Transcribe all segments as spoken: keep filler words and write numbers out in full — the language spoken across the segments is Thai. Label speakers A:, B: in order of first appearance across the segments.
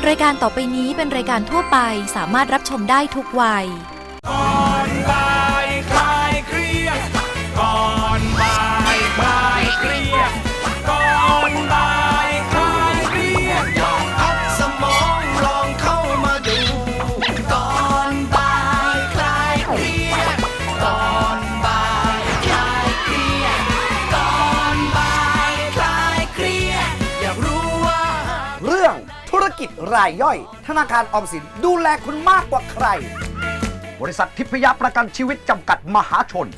A: รายการต่อไปนี้เป็นรายการทั่วไปสามารถรับชมได้ทุกวัย
B: ก่อนบ่ายคลายเครียดก่อนบ่ายคลายเครียดก่อนบ่ายคลายเครียดลองพักสมองลองเข้ามาดูก่อนบ่ายคลายเครียดก่อนบ่ายคลายเครียดก่อนบ่ายคลายเครียดอยากรู้ว่า
C: เรื่องธุรกิจรายย่อยธนาคารออมสินดูแลคุณมากกว่าใครบริษัททิพยประกันชีวิตจำกัดมหาชน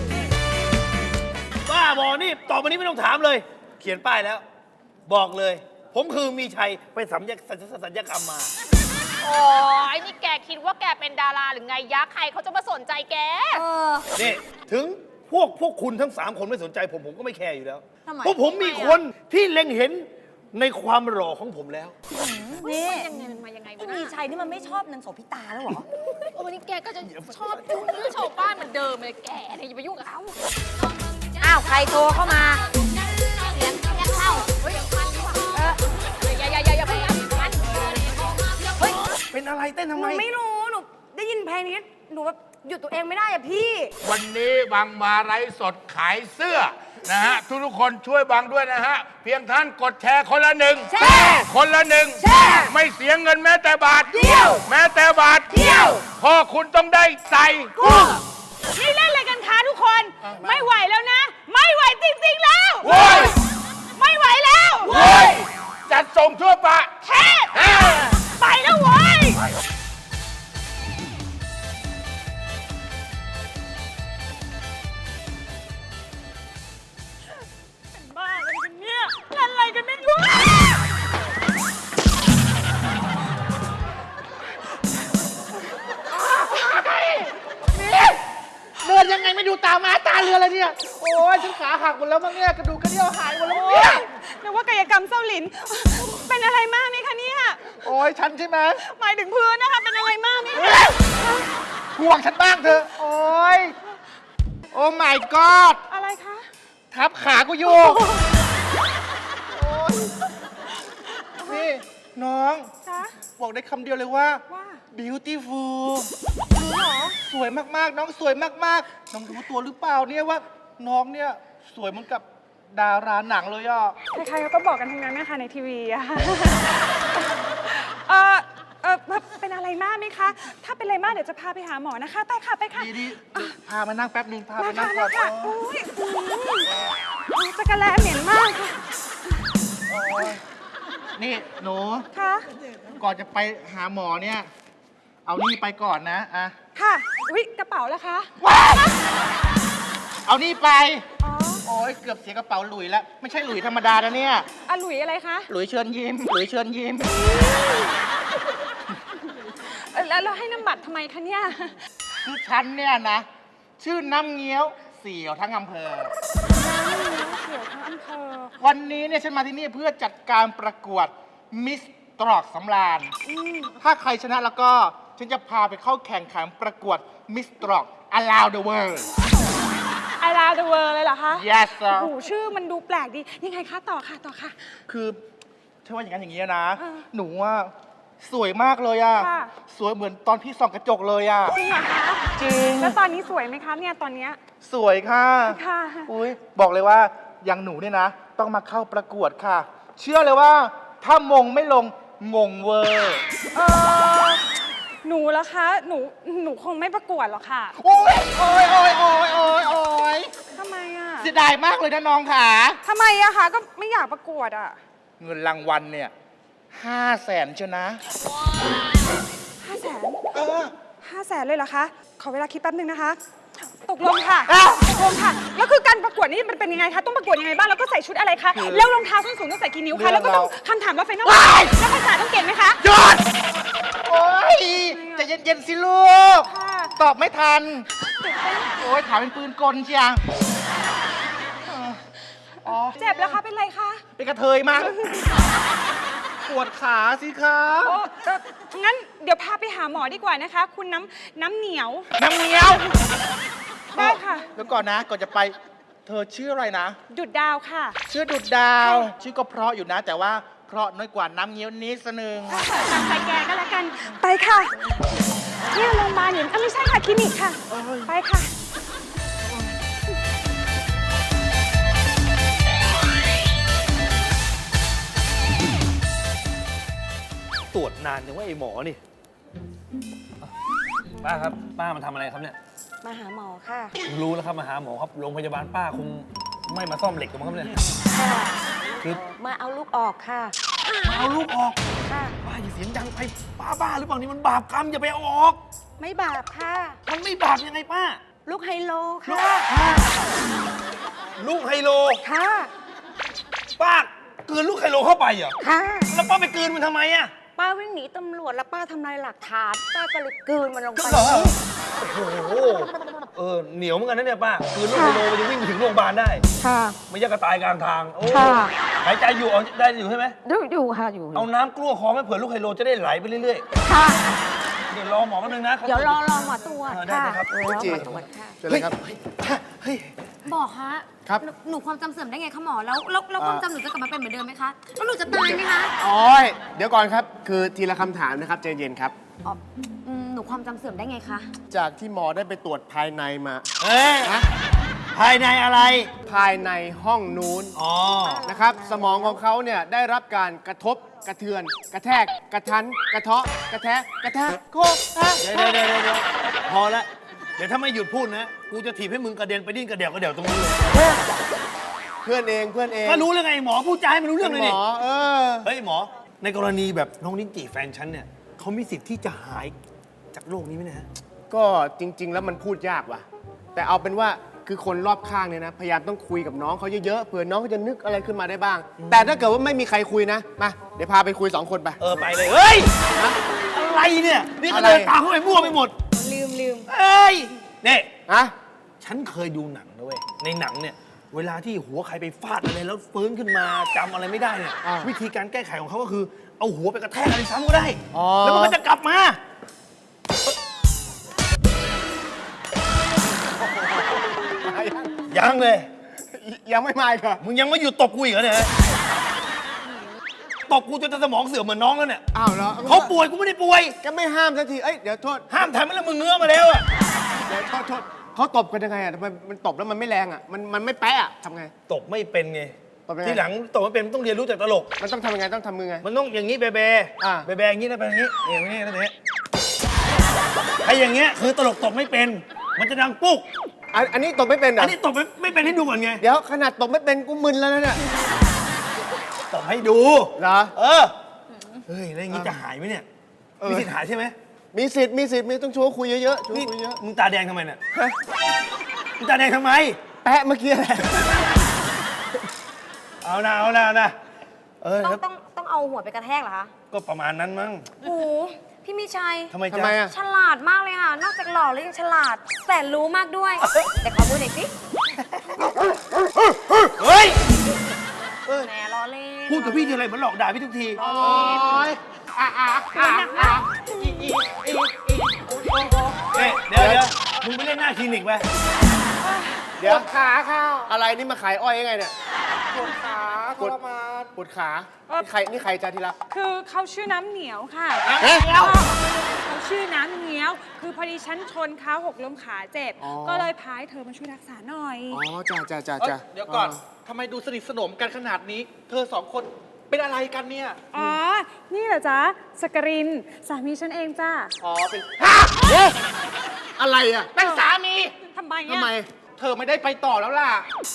D: บ้าบอนี่ต่อไปนี้ไม่ต้องถามเลย เขียนป้ายแล้ว บอกเลย ผมคือมีชัยไปสัญญสัญญกรรมมา
E: โอ้ยนี่แกคิดว่าแกเป็นดาราหรือไงยักษ์ใครเขาจะมาสนใจแก
D: นี่ถึงพวกพวกคุณทั้งสามคนไม่สนใจผมผมก็ไม่แคร์อยู่แล้ว
E: เพ
D: ราะผมมีคนที่เล็งเห็นในความหล่อของผมแล้ว
E: นี่ยังไงมายังไง
F: วะมีชัยนี่มันไม่ชอบนางโสภิตาแล้วเหรอ
E: โอ้วันนี้แกก็จะชอบยุ่งเรื่องชาวบ้านเหมือนเดิมเลยแกเนี่ยอย่าไปยุ่งกับเขา
F: อ้าวใครโทรเข้ามา
E: เสียงแค่เข้าเฮ้ยมันเอออย่าอย่าอย่าอย่าพยายามมัน
D: เฮ้ยเป็นอะไรเต้นทำไม
F: หนูไม่รู้หนูได้ยินเพลงนี้หนูแบบหยุดตัวเองไม่ได้อะพี่
G: วันนี้บังมาไลฟ์สดขายเสื้อนะฮะทุกทุกคนช่วยบังด้วยนะฮะเพียงท่านกดแชร์คนละหนึ่ง
F: แชร์
G: คนละหนึ่ง
F: แชร์
G: ไม่เสียเงินแม้แต่บาท
F: เดียว
G: แม้แต่บาท
F: เดียว
G: พ่อคุณต้องได้ใส่กุ้ง
F: นี่เล่นอะไรกันคะทุกคนไม่ไหวแล้วนะไม่ไหวจริงๆแล้ว
G: โว้ย
F: ไม่ไหวแล้ว
G: โว้ยจัดส่งทั่วประ
F: เทศไปแล้วเว้ยบ้าอะไรกันเนี่ยเล่นอะไรกันไม่รู้
H: เดินยังไงไม่ดูตามาตาเรือเลยเนี่ยโอ้ยฉันขาหักหมดแล้วมั้งเนี่ยกระดูกกระเดี่ยวหายหมดแล้วมั้งเนี่ย
F: นึกว่ากายกรรมเส้าหลินเป็นอะไรมากไหมคะเนี่ย
H: โอ้ยฉันใช่ไหม
F: หมายถึงพื้นนะคะเป็นอะไรมากไหม
H: ห่วงฉันบ้างเถอะโอ้ยโอ้ my god
F: อะไรคะ
H: ทับขากูอยู่นี่น้องบอกได้คำเดียวเลยว่า beautiful สวยมากๆน้องสวยมากๆน้องรู้ตัวหรือเปล่าเนี่ยว่าน้องเนี่ยสวยเหมือนกับดาราหนังเลยอ่ะ
F: ใครๆเขาก็บอกกันทั้งนั้นนะคะในทีวีอะเออเออเป็นอะไรมากไหมคะถ้าเป็นอะไรมากเดี๋ยวจะพาไปหาหมอนะคะไปค่ะไปค่ะ
H: ดีๆพามานั่งแป๊บนึงพามานั่งก่อน
F: โอ้ยจักรแลเหม็นมากค่ะ
H: นี่หนู
F: ค่ะ
H: ก่อนจะไปหาหมอเนี่ยเอานี่ไปก่อนนะอะ
F: ค่ะอุ๊ยกระเป๋าล่ะคะ
H: เอานี่ไปโอ้ยเกือบเสียกระเป๋าหลุยแล้วไม่ใช่หลุยธรรมดานะเนี่ย
F: อะหลุยอะไรคะ
H: หลุยเชิญยิ้มหลุยเชิญยิ้ม
F: แล้วเราให้น้ำบัตรทำไมคะเนี่ย
H: คือฉันเนี่ยนะชื่อน้ำเงี้ยวเสี่ยวทั้งอำเภอ
F: เสี่ยวทั้งอำเภอ
H: วันนี้เนี่ยฉันมาที่นี่เพื่อจัดการประกวดมิสตรอกสำราญถ้าใครชนะแล้วก็ฉันจะพาไปเข้าแข่งขันประกวดมิสตรอก around the world
F: around the world เลยเหรอคะ
H: yes sir
F: โอ้โหชื่อมันดูแปลกดียังไงคะต่อค่ะต่อค่ะ
H: คือถ้าว่าอย่างนั้นอย่างนี้นะหนูว่าสวยมากเลยอ่ะสวยเหมือนตอนพี่ส่องกระจกเลยอ่ะ
F: จริงเหรอคะ
H: จริง
F: แล้วตอนนี้สวยไหมคะเนี่ยตอนเนี้ย
H: สวยค่ะ
F: ค่ะ
H: อุ้ยบอกเลยว่าอย่างหนูเนี่ยนะต้องมาเข้าประกวดค่ะเชื่อเลยว่าถ้ามงไม่ลงงงเวอร์
F: เออหนูละคะหนูหนูคงไม่ประกวดหรอกค่ะ
H: โอ้ยโอ้ยโอ้ยโอ้ยโอ้ยโอ้ย
F: ทำไมอ่ะ
H: เสียดายมากเลยนะน้องค่ะ
F: ทำไมอะคะก็ไม่อยากประกวดอะ
H: เงินรางวัลเนี่ยห้าแสนเชียวนะ
F: ห้าแสน
H: เออ
F: ห้าแสนเลยเหรอคะขอเวลาคิดแป๊บนึงนะคะตกลงค่ะตกลงค่ะแล้วคือการประกวดนี่มันเป็นยังไงคะต้องประกวดยังไงบ้างแล้วก็ใส่ชุดอะไรคะแล้วรองเท้าส้นสูงต้องใส่กี่นิ้วคะแล้วก็ต้องคำถามว่าไฟนอลแล้วภาษาต้องเก่งไหมคะ
H: หยุดโอ้ยใจเย็นๆสิลูกตอบไม่ทันโอ้ยถามเป็นปืนกลเชียง
F: เจ็บแล้วคะเป็นไรคะ
H: เป็นกระเทยมั้งปวดขาสิคะ
F: งั้นเดี๋ยวพาไปหาหมอดีกว่านะคะคุณน้ำน้ำเหนียว
H: น้ำเหนียว
F: ได้ค่ะ
H: เดี๋ยวก่อนนะก่อนจะไปเธอชื่ออะไรนะ
F: ดุดดาวค่ะ
H: ชื่อดุดดาวชื่อก็เพราะอยู่นะแต่ว่าเคราะห์น้อยกว่าน้ำเงี้ยวนิดสนึง
F: ตามใจแกก็แล้วกัน ไปค่ะ เนี่ยโรงพยาบาลเนี่ยเอ้ยไม่ใช่ค่ะคลินิกค่ะ ไปค่ะ
D: ตรวจนานจังว่าไอ้หมอนี่ป้าครับป้ามาทำอะไรครับเนี่ย
I: มาหาหมอค่ะ
D: รู้แล้วครับมาหาหมอครับโรงพยาบาลป้าคงไม่มาซ่อมเหล็กหรอกมั้งครับเนี่ย
I: ค่ะ
D: คือ
I: มาเอาลูกออกค่ะ
D: มาเอาลูกออก
I: ค่ะ
D: ป้าอย่าเสียงดังไปป้าบ้าหรือเปล่านี่มันบาปกรรมอย่าไปเอาออก
I: ไม่บาปค่ะ
D: มันไม่บาปยังไงป้า
I: ลูกไฮโลค่ะ
D: ลูกไฮโล
I: ค่ะ
D: ป้ากลืนลูกไฮโลเข้าไปเหรอ
I: ค่ะ
D: แล้วป้าไปกลืนมันทำไมอะ
I: ป้าวิ่งหนีตำรวจแล้วป้าทำลายหลักฐาน ป้าก็เลยกลืนมันลงไป
D: เหรอโอ้โหเออเหนียวเหมือนกันนะเนี่ยป้ากลืนลูกไฮโลมันจะวิ่งไปถึงโรงพยาบาลได้
I: ค่ะ
D: ไม่อยากกระตายกลางทางโอ้
I: ค่ะ
D: หายใจอยู่เอาได้อยู่ใช่ไหม
I: อยู่อยู่ค่ะอยู่
D: เอาน้ำกลั้วคอไม่เผื่อลูกไฮโลจะได้ไหลไปเรื่อย
I: ค่ะ
D: ๆ เดี๋ยวรอหมอแป๊บนึงนะ
I: เดี๋ยวรอรอหมอตรวจ
D: เออได้
I: ค่ะ
D: ครับ
I: เออรอหมอตรวจค่ะ
D: เฮ้ยเฮ้ย
E: หมอคะ
H: ครับ
E: หนูหนูความจำเสื่อมได้ไงคะหมอ แล้วแล้วแล้วความจำหนูจะกลับมาเป็นเหมือนเดิมไหมคะ แล้วหนูจะตายไหมคะ
J: โอ้ยเดี๋ยวก่อนครับ คือทีละคำถามนะครับใจเย็นครับ
E: อ๋ออืมหนูความจำเสื่อมได้ไงคะ
J: จากที่หมอได้ไปตรวจภายในมา
D: เฮ้ยภายในอะไร
J: ภายในห้องนู้น
D: อ๋อ
J: นะครับ สมองของเขาเนี่ยได้รับการกระทบกระเทือน กระแทก กระทัน กระเทาะ กระแทกกระแทกโคกอ่ะ
D: เดี๋ยวเดี๋ยวเดี๋ยวเดี๋ยวพอละเดี๋ยวถ้าไม่หยุดพูดนะ กูจะถีบให้มึงกระเด็นไปดิ้นกระเดี่ยวกระเดี่ยวตรงนี้เลย
J: เพื่อนเองเพื่อนเอง
D: ก็รู้แล้วไงหมอพูดจาให้มันรู้เรื่องเลย
J: หม
D: นี่
J: อเออ
D: เฮ้ยหมอ ในกรณีแบบน้องลิ้นจี่แฟนฉันเนี่ยเขามีสิทธิ์ที่จะหายจากโรคนี้ไหมนะฮะ
J: ก็จริง ๆ แล้วมันพูดยากว่ะ แต่เอาเป็นว่าคือคนรอบข้างเนี่ยนะ พยายามต้องคุยกับน้องเขาเยอะๆเผื่อน้องเขาจะนึกอะไรขึ้นมาได้บ้าง แต่ถ้าเกิดว่าไม่มีใครคุยนะ มา เดี๋ยวพาไปคุยสองคนไป
D: เออไปเลย เฮ้ย อะไรเนี่ย นี่ก็เดินตามเข้าไปมั่วไปหมด
I: ลืมลืม
D: เอ้ยนี่
J: ฮะ
D: ฉันเคยดูหนังนะเว้ย ในหนังเนี่ย เวลาที่หัวใครไปฟาดอะไรแล้วฟื้นขึ้นมาจำอะไรไม่ได้เนี่ย
J: อ่า
D: วิธีการแก้ไขของเขาก็คือ เอาหัวไปกระแทกอะไรซ้ำก็ได้
J: อ๋อ
D: แล้วมันก็จะกลับมา ยังเลย
J: ยังไม่มาอีกเหรอ
D: มึงยังไม่หยุดตบกูอีกเหรอเนี่ย ตบกูจนสมองเสื่อมเหมือนน้องแล้วเนี่ย
J: อ้าวเหรอ
D: เขาป่วยกูไม่ได้ป่วย
J: ก็ไม่ห้ามสักที เอ้ย เดี๋ยวโทษ
D: ห้ามทำให้แล้วมึงเงื้อมาแล้วอะ
J: เดี๋ยวโทษโทษเขาตบกันยังไงอ่ะทำไมมันตบแล้วมันไม่แรงอ่ะ มันมันไม่แปะอ่ะทำไง
D: ตบไม่เป็นไง
J: ตบยังไง
D: ทีหลังตบไม่เป็นต้องเรียนรู้จากตลก
J: มันต้องทำยังไง ต้องทำมือไง
D: มันต้องอย่างนี้เบเบ
J: อ่า
D: เบเบอย่างนี้นะเป็นอย่างนี้อย่างนี้นะเนี่ยไอ้อย่างเงี้ยคือตลกตบไม่เป็น มันจะดังปุ๊ก
J: อันอันนี้ตบไม่เป็นเหร
D: อั
J: อน
D: นี้ตบไม่ไม่เป็นให้ดูก่อนไง
J: เดี๋ยวขนาดตบไม่เป็นกูมึนแล้วนะเนี่ย
D: ตบให้ดู
J: เหรอ
D: เออ เฮ้ยแล้วอย่างนี้จะหายไหมเนี่ย
J: เออ
D: มีสิทธิ์หายใช่ไหม
J: มีสิทธิ์มีสิทธิ์มีต้องชวนคุยเยอะๆชวน
D: นี่
J: คุยเยอะ
D: มึงตาแดงทำไมเนี่ยมึงตาแดงทำไม
J: แปะเมื่อกี้แหละ
D: เอานะเอานะเอานะเออ
E: ต้อง
D: แล้ว
E: ต้องต้องเอาหัวไปกระแทกเหรอคะ
D: ก็ประมาณนั้นมั้ง
E: โอ้โหพี่มีชัย
D: ทำไม
J: ทำ
D: จ๊ะ
J: ไมอ่ะ
E: ฉลาดมากเลยค่ะ นอกจากหล่อแล้วยังฉลาด แสนรู้มากด้วย แต่ขอมือหน่อยสิ
D: เฮ้ย
E: แหมล้อเล่น
D: พูดกับพี่ทีไรเหมือนหลอกด่าพี่ทุกที
J: โอ้ยอ่ะอ่ะอ่ะอ่ะอีอีอีอีโอ้โห
D: เฮ้ยเดี๋ยวเดี๋ยวมึงไปเล่นหน้าคลินิกไป
J: เดี๋ยวขาข้าวอะไรนี่มาขายอ้อยยังไงเนี่ย
H: ปวดขาท
J: ปวด
H: รมาน
J: ปวดขานี่ใครนี่ใครจ้าที่รัก
F: คือเขาชื่อน้ำเหนียวค่ะ
J: เอ๊ะ
F: เขาชื่อน้ำเหนียว คือพอดีฉันชนเขาหกล้มขาเจ็บ
J: อ๋อ
F: ก็เลยพายเธอมาช่วยรักษาหน่อย
J: อ๋อจ้าจ้าจ้า
H: เอ้ย
J: จ้า
H: เดี๋ยวก่อนทำไมดูสนิทสนมกันขนาดนี้ เธอสองคนเป็นอะไรกันเนี่ย
F: อ๋อ นี่เหรอจ๊ะสกริน สามีฉันเองจ้า
H: อ๋อ เป็น
J: เอ๊ะอะไรอ่ะ
H: เป็นสามี
F: ทำไม
J: ทำไม
F: อะ
H: เธอไม่ได้ไปต่อแล้วล่ะ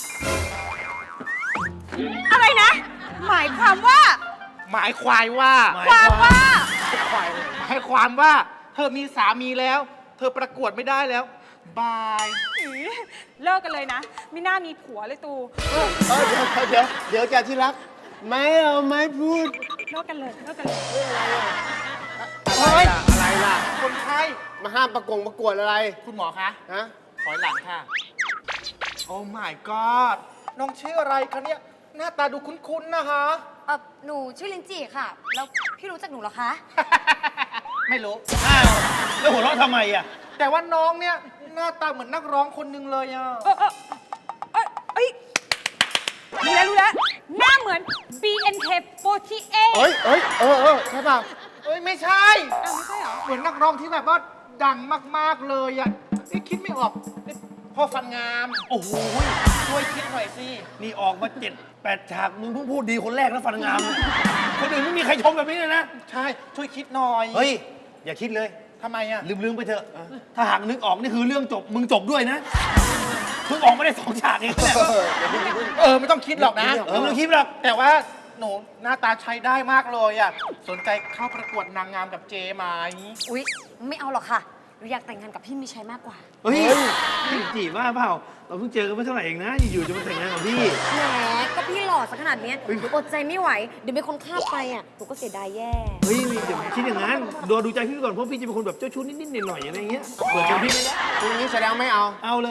F: อะไรนะ หมายความว่า
H: หมายควายว่า
F: ความว่า
H: หมายความว่า เธอมีสามีแล้ว เธอประกวดไม่ได้แล้ว บาย
F: อีเลิกกันเลยนะไม่น่ามีผัวเลยตู
J: เออเดี๋ยวเดี๋ยวเดี๋ยวจ้าที่รัก ไม่เอาไม่พูด
F: เลิกกันเลยเลิกกันเลย
J: อะไรล่ะอะไรล่ะ
H: คนไข้
J: มาห้ามประกงประกวดอะไร
H: คุณหมอคะ
J: ฮะ
H: ถอยหลังค่ะ โอ้ my god น้องชื่ออะไรคะเนี่ย หน้าตาดูคุ้นๆนะคะ
E: เออหนูชื่อลินจีค่ะ แล้วพี่รู้จักหนูเหรอคะ
H: ไม่รู้
D: อ้าวแล้วหัวเราะทำไมอ่ะ
H: แต่ว่าน้องเนี่ย หน้าตาเหมือนนักร้องคนหนึงเลยอ่ะ
F: เออเออเออเอ้ยรู้แล้วรู้แล้วหน้าเหมือน บี เอ็น เค สี่สิบแปด
J: เอ้ยเอ้ยเออเออใช่ป่ะ
H: เอ้ยไม่ใช่
F: อ้าวไม่ใช่เหรอ
H: เหมือนนักร้องที่แบบว่าดังมากๆเลยอ่ะเอ๊ะคิดไม่ออกเอ๊ะพ่อฟันงาม
D: โอ้โห
H: ช่วยคิดหน่อยสิ
D: นี่ออกมาเจ็ดแปดฉากมึงเพิ่งพูดดีคนแรกนะฟันงามเนี่ยคนอื่นไม่มีใครชมแบบนี้เลยนะ
H: ใช่ช่วยคิดหน่อย
D: เฮ้ย อย่าคิดเลย
H: ทำไมอ่ะ
D: ลืมๆไปเถอะ ถ้าหากนึกออกนี่คือเรื่องจบ มึงจบด้วยนะเพิ่งออกมาได้สองฉากเองเนี่ย
H: เออไม่ต้องคิดหรอกนะ
D: เออไม่ต้องคิดหรอก
H: แต่ว่าหนูหน้าตาใช้ได้มากเลยอ่ะสนใจเข้าประกวดนางงามกับเจไหม
I: อุ๊ย ไม่เอาหรอกค่ะ หนูอยากแต่งงานกับพี่มีชัยมากกว่า
D: เฮ้ยพี่จีบว่าเปล่า เราเพิ่งเจอกันไม่เท่าไหร่เองนะ อยู่ๆจะมาแต่งงานกับพี่
I: แหม ก็พี่หล่อสักขนาดเนี้ยหนูอดใจไม่ไหว เดี๋ยวมีคนฆ่าไปอ่ะ หนูก็เสียดายแย่
D: เฮ้ยเดี๋ยวคิดอย่างนั้นดูดูใจพี่ก่อน เพราะพี่จะเป็นคนแบบเจ้าชู้นิดๆหน่อยๆอะไรเงี้ยเปิดใจพี่ไม่ได้
J: คุณนี้แสดงไม่เอา
D: เอาเลย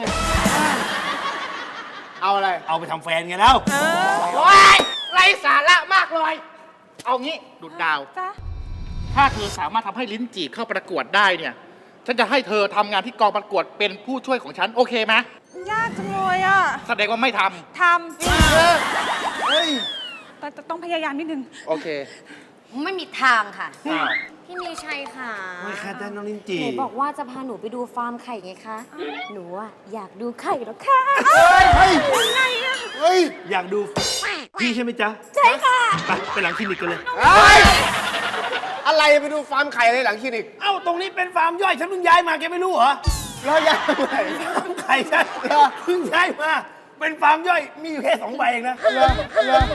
J: เอาอะไร
D: เอาไปทำแฟนไงแล้ว
H: โอ๊ยไร้สาระมากเลย เอางี้ดุดดาว
F: จ๊ะ
H: ถ้าเธอสามารถทำให้ลิ้นจี่เข้าประกวดได้เนี่ย ฉันจะให้เธอทำงานที่กองประกวดเป็นผู้ช่วยของฉัน โอเคไหม
F: ยากจังเลยอ่ะ
H: แสดงว่าไม่ท
F: ทำ
H: ำเฮ้ย
F: แต่แต่ต้องพยายามนิดนึง
H: โอเค
I: ไม่มีทางค่ะ
H: อ้าว
I: พี่มีชัยค่ะ
D: ไม่คาดได้น้องลิ้นจี
I: หนูบอกว่าจะพาหนูไปดูฟาร์มไข่ไงคะ หนูอะอยากดูไข่แล้วค่ะ
J: เฮ้ยเฮ้ย
D: อยากดูพี่ใช่ไหมจ๊ะ
I: ใช่ค่ะ
D: ไปไปหลังคลินิกกันเลย
J: เฮ้ยอะไรไปดูฟาร์มไข่อะไรหลังคลินิก
D: เอ้า ตรงนี้เป็นฟาร์มย่อย ฉันเพิ่งย้ายมาแกไม่รู้เหรอ
J: แล้วยังไง
D: ฟาร์มไข่ฉันเพิ่งย้ายมา เป็นฟาร์มย่อย มีอยู่แค่สองใบเองนะ
J: เหรอเหรอ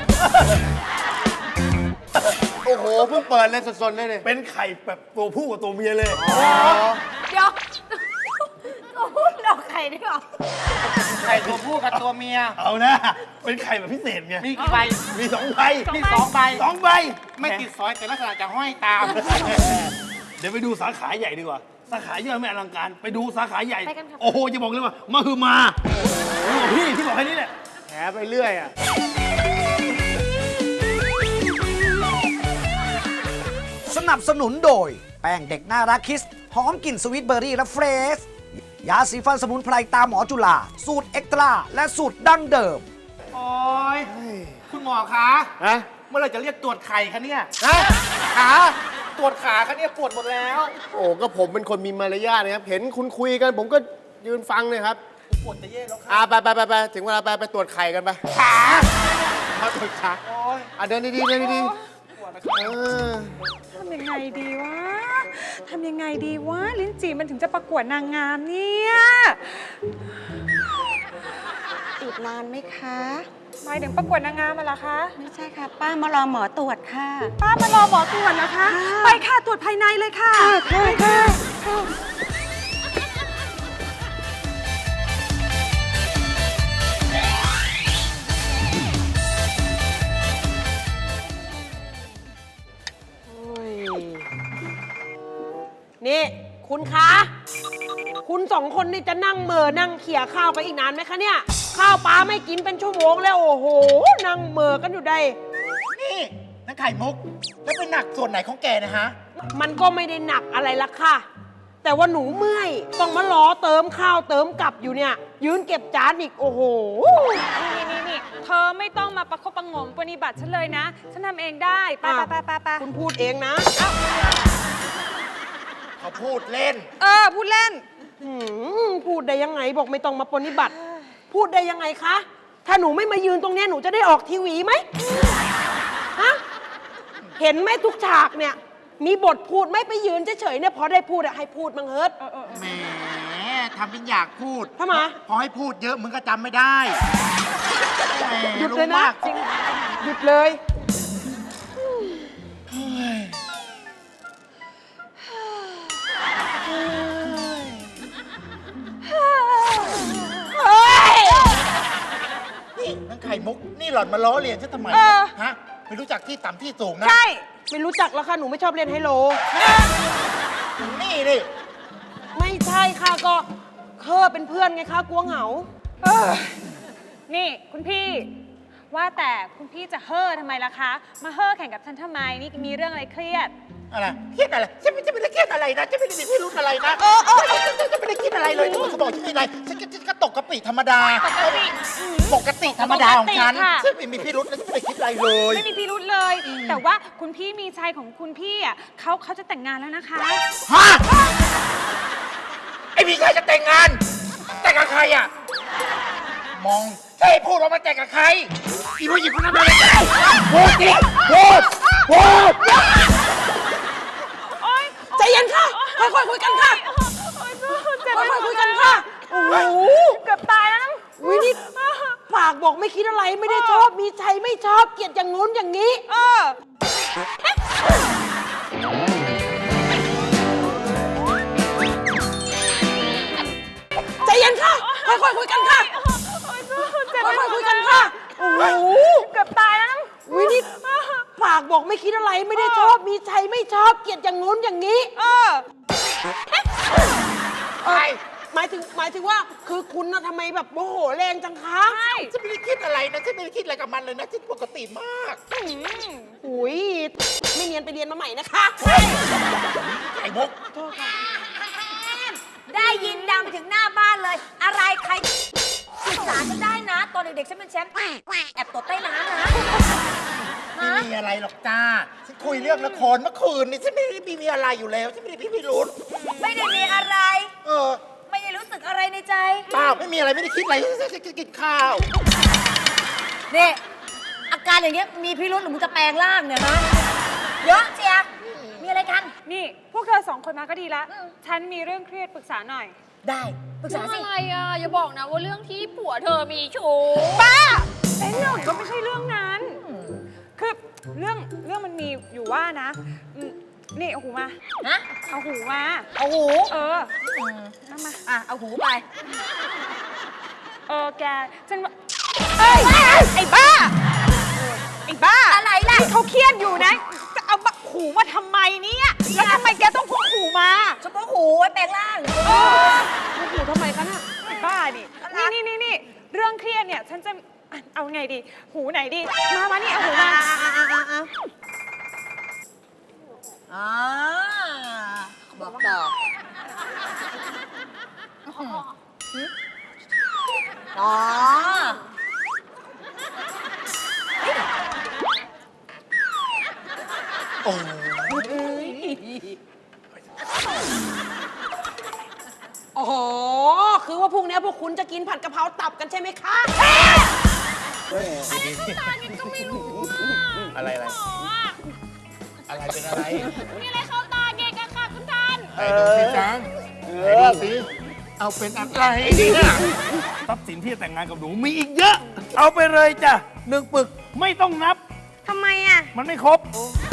J: โอ้โหเพิ่งเปิดเลยสดๆเลยเนี่ย
D: เป็นไข่แบบตัวผู้กับตัวเมียเลย
J: อ๋อ
I: เดี๋ยวก็พูดดอกไข่ด้วยเหรอ
H: ไข่ตัวผู้กับตัวเมีย
D: เอานะ เป็นไข่แบบพิเศษไง
H: มีกี่ใบ
D: มีสองใบ
H: มีสองใบ
D: สองใบ
H: ไม่ติดซอยแต่ลักษณะจะห้อยตาม
D: เดี๋ยวไปดูสาขาใหญ่ดีกว่า สาขาย่อยไม่อลังการ ไปดูสาขาใหญ่
I: ไปกันค่ะ
D: โอ้โห จะบอกเลยว่ามาคือมาโอ้โหพี่ที่บอกแค่นี้แหละ
J: แถไปเรื่อยอ่ะ
C: สนับสนุนโดย แป้งเด็กน่ารักคิส หอมกลิ่นสวิตเบอร์รี่และเฟรช ยาสีฟันสมุนไพรตามหมอจุฬาสูตรเอ็กตร้าและสูตรดั้งเดิม
H: โอ้ยคุณหมอคะ
J: ฮะ
H: เมื่อไหรจะเรียกตรวจไข่คะเนี่ย
J: ฮะ
H: ขาตรวจขาคะเนี่ยปวดหมดแล้ว
J: โอ้ก็ผมเป็นคนมีมารยาทนะครับ เห็นคุณคุยกัน ผมก็ยืนฟังเลยครับ
H: ปวดจะเย่แล้วค่ะ
J: อ่าไปไปไปไปถึงเวลาไปไปตรวจไข่กันไป
H: ขา
J: มาตรวจขา
H: โอ้ย
J: อ่ะเดินดีๆเดินดี
H: ปวดนะ
J: ๆเออ
F: ทำยังไงดีวะ ทำยังไงดีวะ ลิ้นจี่มันถึงจะประกวดนางงามเนี่ย
I: อีกนานไหมคะ
F: หมายถึงประกวดนางงามมาละคะ
I: ไม่ใช่ค่ะ ป้ามารอหมอตรวจค่ะ
F: ป้ามารอหมอตรวจนะคะ ไปค่ะตรวจภายในเลยค่ะ
I: ค่ะค่ะ
K: นี่คุณคะ คุณสองคนนี่จะนั่งเหม่อนั่งเขี่ยข้าวกันอีกนานไหมคะเนี่ย ข้าวปลาไม่กินเป็นชั่วโมงแล้วโอ้โห นั่งเหม่อกันอยู่ได้
H: นี่นักไข่มุก แล้วเป็นหนักส่วนไหนของแกนะฮะ
K: มันก็ไม่ได้หนักอะไรละค่ะ แต่ว่าหนูเมื่อย ต้องมาล้อเติมข้าวเติมกลับอยู่เนี่ย ยืนเก็บจานอีกโอ้โห
F: นี่นี่นี่เธอไม่ต้องมาประคบประหงมปฏิบัติฉันเลยนะ ฉันทำเองได้ ไปไปไปไปไป
K: คุณพูดเองนะ
H: เขาพูดเล่น
F: เออ พูดเล่น
K: หืมพูดได้ยังไงบอกไม่ต้องมาปฏิบัติ พูดได้ยังไงคะ ถ้าหนูไม่มายืนตรงเนี้ยหนูจะได้ออกทีวีไหมฮะเห็นไหมทุกฉากเนี่ย มีบทพูดไม่ไปยืนเฉยๆเนี่ยพอได้พูดอะให้พูดมังเฮิร์ต
H: แหมทำเป็นอยากพูด
K: ทำไม
H: พอให้พูดเยอะมึงก็จำไม่ได้แหม
K: หยุดเลย
H: รู้
K: นะ
H: มาก
K: จริงหยุดเลย
H: นี่นักไข่มุก นี่หล่อนมาล้อเลียนฉันทำไม
F: เอ
H: เนี่ย
F: อ
H: ฮะ ไม่รู้จักที่ต่ำที่สูงนะ
F: ใช่
K: ไม่รู้จักแล้วค่ะ หนูไม่ชอบเล่นไฮโล
H: นี่นี่
K: ไม่ใช่ค่ะก็เคอเป็นเพื่อนไงคะกลัวเหงา
F: เออ นี่คุณพี่ ว่าแต่คุณพี่จะเฮ่อทำไมล่ะคะ มาเฮ่อแข่งกับฉันทำไม นี่มีเรื่องอะไรเครียด
H: อะไรเครียดอะไรฉันไม่ฉันไม่ได้เครียดอะไรนะฉันไม่ได้มีพิรุธอะไรนะฉันฉันฉันไม่ได้คิดอะไรเลยเขาบอกฉันมีอะไรฉันก็ฉันก็ตกกะปิธรรมดาปกติธรรมดาของฉัน
F: ปกติค่ะ
H: ฉันไม่มีพิรุธและฉันไม่ได้คิดอะไรเลย
F: ไม่มีพิรุธเลย แต่ว่าคุณพี่มีชัยของคุณพี่อ่ะเขาเขาจะแต่งงานแล้วนะคะ
H: ฮะไอ้มีชัยจะแต่งงานแต่งกับใครอ่ะมองใช่พูดว่ามันแต่งกับใครอีผู้หญิงคนนั้นเลยพูดสิพูดพูด
K: ใจเย็นค่ะ ค่อยๆคุยกันค่ะ ค่อยๆคุยกันค่ะ โอ้โห
F: เกือบตายแล้ว
K: วินี่ปากบอกไม่คิดอะไรไม่ได้ชอบ มีชัยไม่ชอบเกลียดอย่างงู้นอย่างนี้
F: เออ
K: ใจเย็นค่ะ ค่อยๆคุยกันค่ะ ค่อยๆคุยกันค่ะ โอ้โห
F: เกือบตายแล้ว
K: วินี่ปากบอกไม่คิดอะไรไม่ได้ชอบ มีชัยไม่ชอบเกลียดอย่างงู้นอย่างนี้
F: เออ
K: เออหมายถึงหมายถึงว่าคือคุณนะทำไมแบบโมโหแรงจังคะ
F: ใช่
H: ฉันไม่ได้คิดอะไรนะฉันไม่ได้คิดอะไรกับมันเลยนะฉันปกติมาก
K: อุ้ยไม่เนียนไปเรียนมาใหม่นะคะ
H: ไอ้มุก
I: ได้ยินดังไปถึงหน้าบ้านเลย อะไรใครศึกษาฉันได้นะ ตอนเด็กๆฉันเป็นแชมป์แอบตดใต้น้ำนะ
H: ไม่มีอะไรหรอกจ้าฉันคุยเรื่องละครเมื่อคืนนี่ฉันไม่ได้มีอะไรอยู่แล้วฉันไม่ได้พี่พิรุธ
I: ไม่ได้มีอะไร
H: เออ
I: ไม่ได้รู้สึกอะไรในใจ
H: เปล่าไม่มีอะไรไม่ได้คิดอะไรฉันจะกินข้าว
I: นี่อาการอย่างเงี้ยมีพิรุธหรือมึงจะแปลงร่างเนี่ยฮะเยอะเชียมีอะไรกัน
F: นี่ พวกเธอสองคนมาก็ดีละ ฉันมีเรื่องเครียดปรึกษาหน่อย
I: ได้ปรึกษาสิ
E: อะไรอ่ะ อย่าบอกนะว่าเรื่องที่ผัวเธอมีชู้
F: ป้าแต่เรื่องก็ไม่ใช่เรื่องนั้น คือเรื่องเรื่องมันมีอยู่ว่านะอืมนี่เอาหูมา
I: ฮะ
F: เอาหูมา
I: เอาหู
F: เออนั่นมา
I: อ่ะ เอาหูไป
F: เออ แก ฉันว่าเอ้ย ไอ้บ้า ไอ้บ้า
I: อะไรล่ะ
F: ที่เขาเครียดอยู่นะ จะเอาหูมาทำไมเนี่ยแล้วทำไมแกต้องพกหูมา
I: เฉพาะหูไว้แปลงร่าง
F: เออหูทำไมคะน่ะไอ้บ้าดินี่นี่นี่นี่เรื่องเครียดเนี่ย ฉันจะอ่ะเอาไงดี หูไหนดี มามานี่เอาหูมา
I: อ่าบอกต่ออ๋อ
H: โอ้
K: อ๋อ คือว่าพรุ่งนี้พวกคุณจะกินผัดกะเพราตับกันใช่ไหมคะ
E: ตาเงี้ยก็ไม่รู้อ่ะ
D: อะไรอะไร อะไรเป็นอะไร
E: มีอะไรเข้าตาเกะกะค่ะคุณท่าน
G: ไหนดูสิจังไหนดูสิเอาเป็นอะไรเนี่ย
D: ทรัพย์สินที่จะแต่งงานกับหนูมีอีกเยอะ เอาไปเลยจ้ะหนึ่งปึกไม่ต้องนับ
I: ทำไมอ่ะ
D: มันไม่ครบ
I: เ